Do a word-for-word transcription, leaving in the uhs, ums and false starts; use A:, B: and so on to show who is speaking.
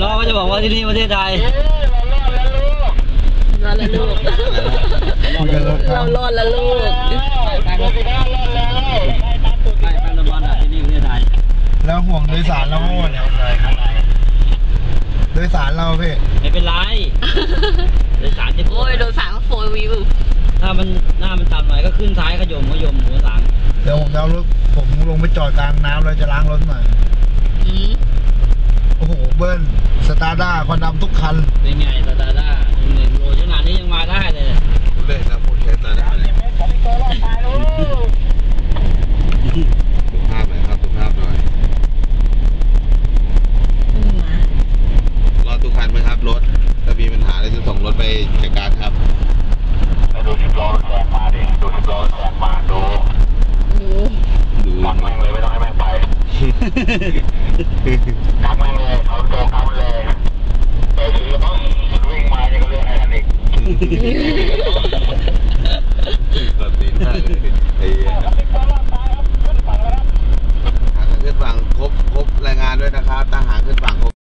A: น้องก็จะบอกว่าที่นี่ประเทศไทย
B: รอดแล้วลูกเรารอดแล้วลูก
A: ไปไปไปไปบอลอ่ะที่นี่ประเทศไทย
C: แล้วห่วงโดยสารเราโน่นโดยสารเราพี่
A: ไม่เป็นไรโดยสารจะ
B: โอ้ยโดยสารโฟร์วิว
A: ถ้ามันหน้ามันต่ำหน่อยก็ขึ้นท้ายขยมขยมหัวสัง
C: เดี๋ยวผมจะเอารถผมลงไปจอดกลางน้ำเลยจะล้างรถหน่อยโอ้โหเบิ้ลสตาร์ด้าควันดำทุกคัน
A: เป็นไงสตาร์ด้าหนึ่งโลขนาดนี้ยังมาได้เลย
C: เลยนะพวกใช้สตาร์ด้าเลยสุภาพหน่อยครับสุภาพหน่อยรอทุกคันไหมครับรถถ้ามีปัญหาอะไรจะส่งรถไปจัดการครับดูสิบล้อแซงมาดิดูสิบล้อแซงมาดูดูกักแม่งเลยไม่ต้องให้แม่งไปกักแม่งเลยเอาตัวกักเลยเออถือต้องวิ่งมาเนี่ยก็เรื่องไททานิค